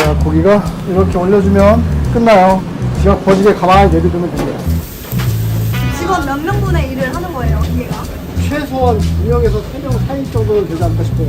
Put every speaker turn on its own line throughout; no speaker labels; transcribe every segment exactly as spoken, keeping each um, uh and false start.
자, 고기가 이렇게 올려주면 끝나요. 지각 버지게 가만히 내비두면 됩니다.
직원 몇 명분의 일을 하는 거예요, 기계가?
최소한 두 명에서 세 명 사이 정도는 되지 않을까 싶어요.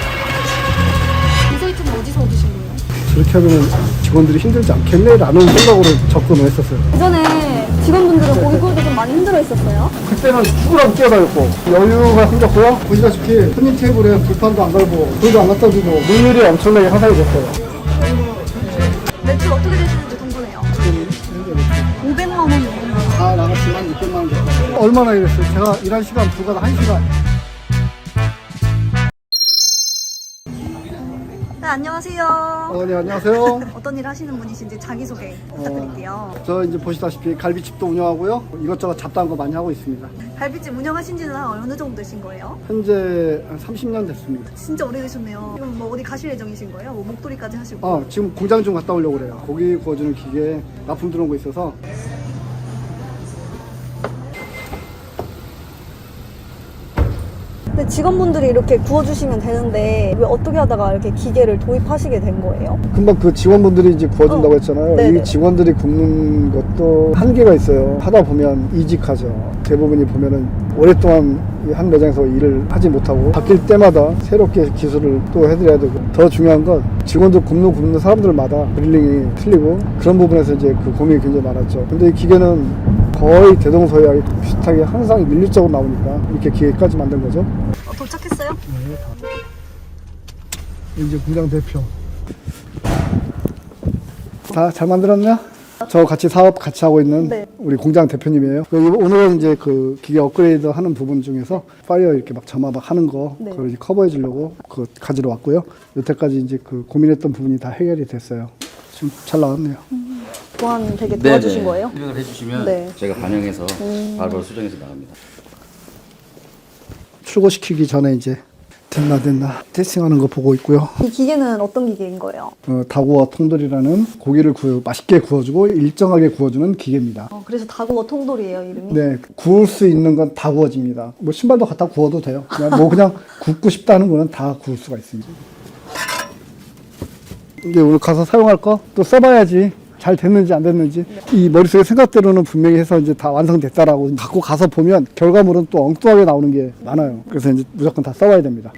인사이트는 어디서 얻으신 거예요?
저렇게 하면 직원들이 힘들지 않겠네라는 생각으로 접근을 했었어요.
예전에 직원분들은 고기 구울 때 좀 많이 힘들어 했었어요?
그때는 죽으라고 뛰어다녔고 여유가 생겼고요. 보시다시피 손님 테이블에 불판도 안 걸고 불도 안 갖다 주고 물률이 엄청나게 향상이 됐어요.
매출 어떻게 되시는지 궁금해요. 오백만 원 넘는
다 나갔지만 육백만 원 됐어요. 얼마나 일했어요? 제가 일한 시간 불과 한 시간.
네, 안녕하세요.
어, 네, 안녕하세요.
어떤 일 하시는 분이신지 자기소개 부탁드릴게요.
저 이제 보시다시피 갈비집도 운영하고요. 이것저것 잡다한 거 많이 하고 있습니다.
갈비집 운영하신 지는 한 어느 정도 되신 거예요?
현재 한 삼십 년 됐습니다.
진짜 오래되셨네요. 그럼 뭐 어디 가실 예정이신 거예요? 뭐 목도리까지 하시고?
아, 지금 공장 좀 갔다 오려고 그래요. 고기 구워주는 기계에 납품 들어온 거 있어서.
근데 직원분들이 이렇게 구워주시면 되는데 왜 어떻게 하다가 이렇게 기계를 도입하시게 된 거예요?
금방 그 직원분들이 이제 구워준다고
어,
했잖아요.
네네.
이 직원들이 굽는 것도 한계가 있어요. 하다 보면 이직하죠. 대부분이 보면은 오랫동안 이 한 매장에서 일을 하지 못하고 바뀔 때마다 새롭게 기술을 또 해드려야 되고, 더 중요한 건 직원들 굽는 굽는 사람들마다 그릴링이 틀리고 그런 부분에서 이제 그 고민이 굉장히 많았죠. 근데 이 기계는 거의 대동소이하게 비슷하게 항상 밀리적으로 나오니까 이렇게 기계까지 만든 거죠.
어, 도착했어요?
네, 이제 공장 대표. 다 잘 만들었냐? 저 같이 사업 같이 하고 있는
네.
우리 공장 대표님이에요. 오늘은 이제 그 기계 업그레이드 하는 부분 중에서 파이어 이렇게 막 점화 막 하는 거,
네.
그걸 이제 커버해 주려고 그거 가지러 왔고요. 여태까지 이제 그 고민했던 부분이 다 해결이 됐어요. 지금 잘 나왔네요.
보안 되게 도와주신 거예요?
입력을 해주시면
네.
제가 반영해서 바로 수정해서 나갑니다.
출고시키기 전에 이제 됐나 됐나 테스팅하는 거 보고 있고요.
이 기계는 어떤 기계인 거예요?
어, 다구어 통돌이라는 고기를 구워, 맛있게 구워주고 일정하게 구워주는 기계입니다.
어, 그래서 다구어 통돌이에요, 이름이?
네, 구울 수 있는 건 다 구워집니다. 뭐 신발도 갖다 구워도 돼요. 그냥 뭐 그냥 굽고 싶다는 거는 다 구울 수가 있습니다. 이제 오늘 가서 사용할 거 또 써봐야지 잘 됐는지 안 됐는지. 네. 이 머릿속에 생각대로는 분명히 해서 이제 다 완성됐다라고 갖고 가서 보면 결과물은 또 엉뚱하게 나오는 게 많아요. 그래서 이제 무조건 다 써봐야 됩니다.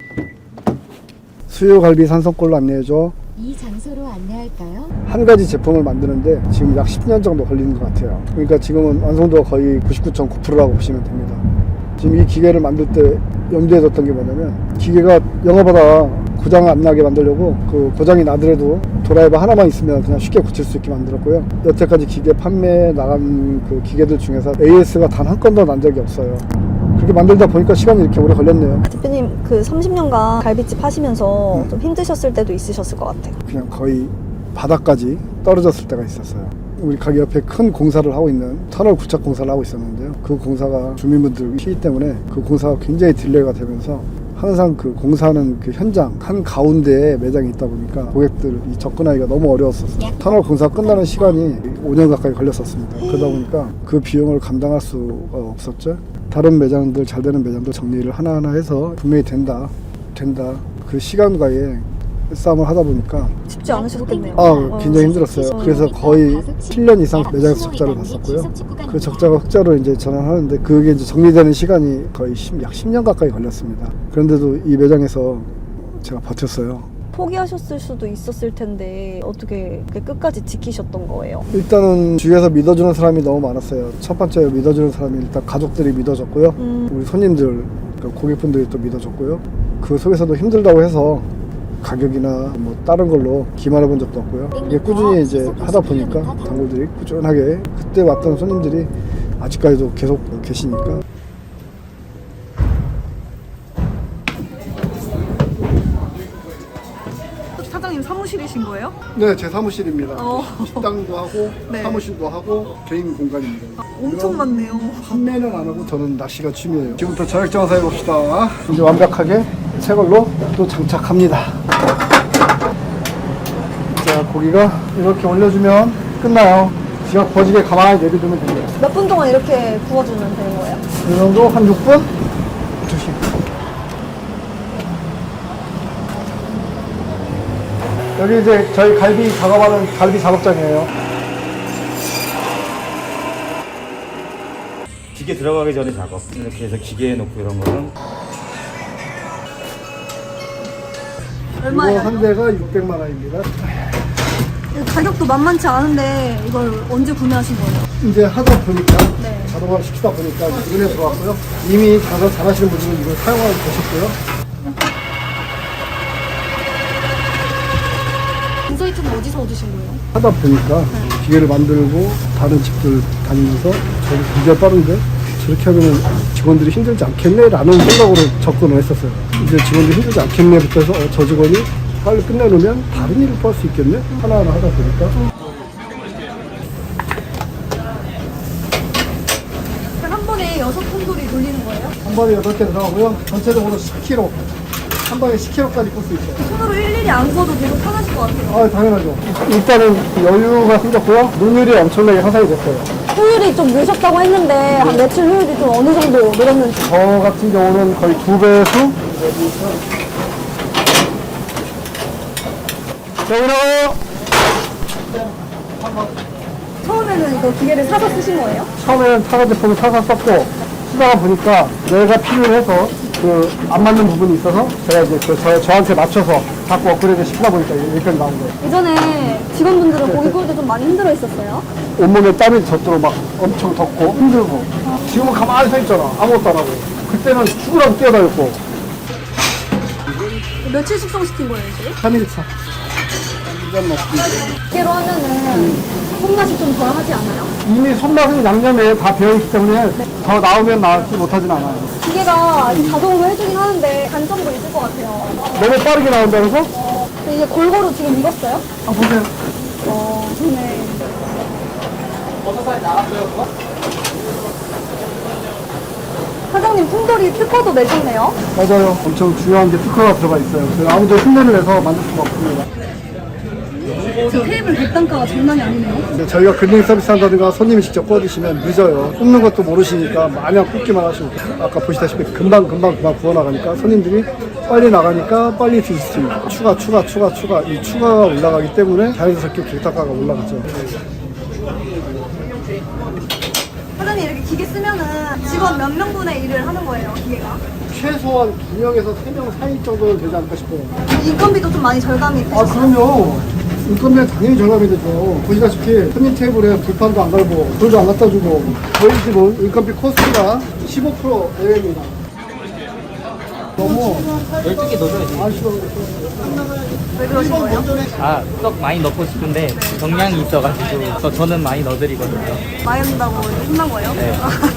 수요갈비 산성골로 안내해줘.
이 장소로 안내할까요?
한 가지 제품을 만드는데 지금 약 십 년 정도 걸리는 것 같아요. 그러니까 지금은 완성도가 거의 구십구 점 구 퍼센트라고 보시면 됩니다. 지금 이 기계를 만들 때 염두에 뒀던 게 뭐냐면, 기계가 영어보다 고장 안 나게 만들려고 그 고장이 나더라도 드라이버 하나만 있으면 그냥 쉽게 고칠 수 있게 만들었고요. 여태까지 기계 판매에 나간 그 기계들 중에서 에이에스가 단 한 건도 난 적이 없어요. 그렇게 만들다 보니까 시간이 이렇게 오래 걸렸네요.
대표님 그 삼십 년간 갈비집 하시면서 음. 좀 힘드셨을 때도 있으셨을 것 같아요.
그냥 거의 바닥까지 떨어졌을 때가 있었어요. 우리 가게 옆에 큰 공사를 하고 있는 터널 구착 공사를 하고 있었는데요. 그 공사가 주민분들 시위 때문에 그 공사가 굉장히 딜레이가 되면서 항상 그 공사하는 그 현장 한 가운데에 매장이 있다 보니까 고객들이 접근하기가 너무 어려웠었어요. 터널 공사 끝나는 시간이 오 년 가까이 걸렸었습니다. 그러다 보니까 그 비용을 감당할 수가 없었죠. 다른 매장들, 잘 되는 매장들 정리를 하나하나 해서 분명히 된다, 된다. 그 시간과의 싸움을 하다 보니까
쉽지 않으셨겠네요.
아, 굉장히 힘들었어요. 그래서 거의 칠 년 이상 매장에서 적자를 봤었고요. 그 적자가 흑자로 이제 전환하는데 그게 이제 정리되는 시간이 거의 약 십 년 가까이 걸렸습니다. 그런데도 이 매장에서 제가 버텼어요.
포기하셨을 수도 있었을 텐데 어떻게 끝까지 지키셨던 거예요?
일단은 주위에서 믿어주는 사람이 너무 많았어요. 첫 번째 믿어주는 사람이 일단 가족들이 믿어줬고요. 음. 우리 손님들, 그러니까 고객분들이 또 믿어줬고요. 그 속에서도 힘들다고 해서 가격이나 뭐 다른 걸로 기만해 본 적도 없고요. 이게 꾸준히 이제 하다 보니까 단골들이 꾸준하게, 그때 왔던 손님들이 아직까지도 계속 계시니까.
사장님 사무실이신 거예요?
네, 제 사무실입니다.
어.
식당도 하고
네.
사무실도 하고 개인 공간입니다.
엄청 많네요.
판매는 안 하고 저는 낚시가 취미예요. 지금부터 저녁 장사 해봅시다. 이제 완벽하게 새 걸로 또 장착합니다. 자, 고기가 이렇게 올려주면 끝나요. 지각 버지게 가만히 내비두면 됩니다.
몇 분 동안 이렇게 구워주면 되는 거예요?
이 정도 한 육 분? 조심. 여기 이제 저희 갈비 작업하는 갈비 작업장이에요.
기계 들어가기 전에 작업. 이렇게 해서 기계에 놓고 이런 거는
이거
얼마예요?
한 대가 육백만 원입니다.
가격도 만만치 않은데 이걸 언제 구매하신 거예요?
이제 하다 보니까
네.
자동화를 시키다 보니까 눈에 들어왔고요. 이미 장사 잘하시는 분들은 이걸 사용하고 계셨고요.
인사이트는 어디서 얻으신 거예요?
하다 보니까 기계를 만들고 다른 집들 다니면서 저기 굉장히 빠른데 저렇게 하면 직원들이 힘들지 않겠네라는 생각으로 접근을 했었어요. 이제 직원들이 힘들지 않겠네부터 해서 어, 저 직원이 빨리 끝내놓으면 다른 일을 할 수 있겠네? 하나하나 하다 보니까
한 번에 여섯 콘돌이 돌리는 거예요?
한 번에 여덟 개 들어가고요. 전체적으로 십 킬로그램. 한 번에 십 킬로그램까지 꽂 수 있어요.
손으로 일일이 안 구워도 계속 편하실 것 같아요.
아, 당연하죠. 일단은 여유가 생겼고요. 눈율이 엄청나게 향상이 됐어요.
효율이 좀 느셨다고 했는데 한 매출 효율이 좀 어느 정도 늘었는지.
저 같은 경우는 거의 두 배수? 자, 일어나요!
처음에는 이거 기계를 사서 쓰신 거예요?
처음에는 차가 제품을 사서 썼고, 쓰다가 보니까 내가 필요해서 그 안 맞는 부분이 있어서 제가 이제 그 저, 저한테 맞춰서 자꾸 업그레이드 시키다 보니까 여기까지 나온 거예요.
예전에 직원분들은 고기 구울 때 좀 많이 힘들어 했었어요?
온몸에 땀이 젖도록 막 엄청 덥고 힘들고 지금은 가만히 서 있잖아. 아무것도 안 하고. 그때는 죽으라고 뛰어다녔고.
며칠 숙성시킨 거예요, 이제?
삼 일 차. 완전 먹습니다.
기계로 하면은 손맛이 좀 덜 하지 않아요?
이미 손맛은 양념에 다 배어있기 때문에 더 나오면 나지 못하진 않아요.
기계가 이렇게 자동으로 해주긴 하는데 단점도 있을 것 같아요.
너무 빠르게 나온다 그래서?
근데 이제 골고루 지금 익었어요?
아, 보세요.
어, 좋네. 사장님, 풍돌이 특허도 내셨네요?
맞아요. 엄청 중요한 게 특허가 들어가 있어요. 그래서 아무도 흉내를 내서 만들 수가 없습니다.
지금 테이블 객단가가 장난이 아니네요?
근데 저희가 근행 서비스 한다든가 손님이 직접 구워드시면 늦어요. 굽는 것도 모르시니까 마냥 굽기만 하시고 아까 보시다시피 금방 금방 금방 구워나가니까 손님들이 빨리 나가니까 빨리 드실 수 있고 추가 추가 추가 추가 이 추가가 올라가기 때문에 자연스럽게 객단가가 올라가죠.
사장님, 이렇게 기계 쓰면은 직원 몇 명분의 일을 하는 거예요, 기계가?
최소한 두 명에서 세 명 사이 정도는 되지 않을까 싶어요.
인건비도 좀 많이 절감이
아,
되셨어요?
그럼요. 인건비는 당연히 절감이 되죠. 보시다시피 손님 테이블에 불판도 안 갈고 불도 안 갖다 주고 저희 집은 인건비 코스트가 십오 퍼센트 내외입니다. 너무
열두 개 넣어줘야지.
아쉬워요.
왜 그러신 거예요?
아, 떡 많이 넣고 싶은데 정량이 있어가지고 저, 저는 많이 넣어드리거든요.
많이 넣는다고 혼난 거예요?
네.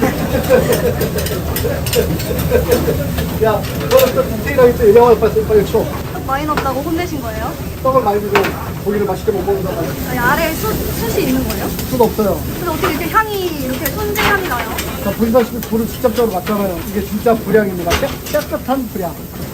야, 너는 또 디테일하게 또 얘기하고 빨리 빨리 쳐.
많이 넣었다고 혼내신 거예요?
떡을 많이 주고 고기를 맛있게 못 먹는다고
아니, 아래에 숯, 숯이 있는 거예요?
수도 없어요.
근데 어떻게 이렇게 향이, 이렇게 손질향이 나요?
자, 보시다시피 불을 직접적으로 맞잖아요. 이게 진짜 불향입니다. 깨, 깨끗한 불향.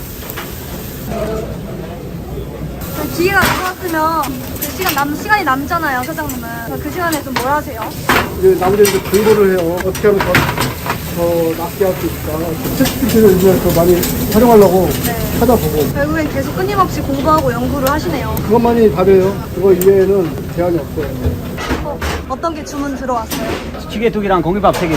기계가 나왔으면 그 시간 남, 시간이 남잖아요, 사장님은. 그 시간에 좀 뭘 하세요?
이제 나머지 이제 공부를 해요. 어떻게 하면 더, 더 낫게 할 수 있을까. 챗지피티를 이제 더 많이 활용하려고
네.
찾아보고.
결국엔 계속 끊임없이 공부하고 연구를 하시네요.
그것만이 답이에요. 그거 이외에는 대안이 없어요.
어, 어떤 게 주문 들어왔어요?
찌개 두 개랑 공깃밥 세 개.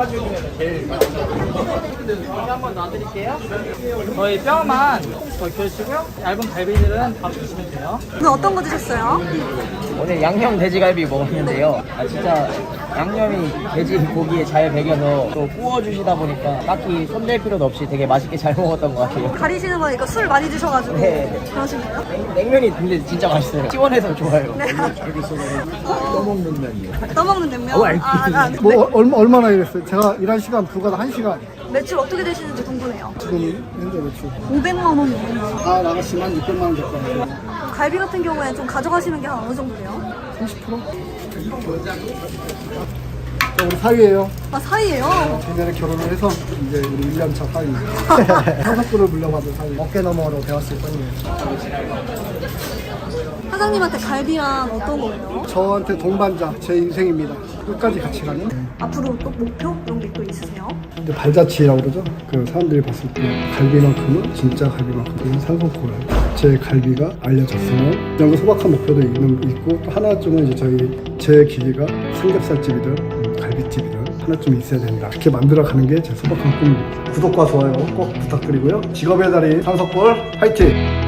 한번 놔드릴게요. 저희 뼈만 더 켜주시고요. 얇은 갈비들은 밥 주시면 돼요.
오늘 어떤 거 드셨어요?
오늘 양념 돼지갈비 먹었는데요. 아 진짜 양념이 돼지 고기에 잘 배겨서 또 구워주시다 보니까 딱히 손댈 필요도 없이 되게 맛있게 잘 먹었던 것 같아요.
가리시는 거니까 술 많이 드셔가지고
네.
그러신 거예요?
냉면이 근데 진짜 맛있어요. 시원해서 좋아요.
네.
떠먹는 면이요.
떠먹는 냉면?
어,
아, 아, 네.
뭐, 얼마, 얼마나 일했어요? 제가 일한 시간 불과 한 시간.
매출 어떻게 되시는지 궁금해요.
지금 현재 매출.
오백만 원이요.
다 나갔으면 육백만 원 됐거든요.
갈비 같은 경우에 좀 가져가시는 게 한 어느 정도 돼요?
삼십 퍼센트? 자, 우리 사위예요.
아, 사이예요?
작년에 결혼을 해서 이제 우리 일 년 차 사위. 상속도를 물려받은 사위. 어깨 너머로 배웠을 뿐이에요.
사장님한테 갈비란 어떤 거예요?
저한테 동반자, 제 인생입니다. 끝까지 같이 가는
앞으로 또 목표 이런 게 또 있으세요?
이제 발자취라고 그러죠. 그 사람들이 봤을 때 갈비만큼은 진짜 갈비만큼은 산소골 제 갈비가 알려졌으면 이런 거 소박한 목표도 있는 있고 또 하나쯤은 이제 저희 제 기계가 삼겹살집이든 음, 갈비집이든 하나쯤 있어야 된다. 이렇게 만들어가는 게 제 소박한 꿈입니다. 구독과 좋아요 꼭 부탁드리고요. 직업의 달인 산소골 화이팅!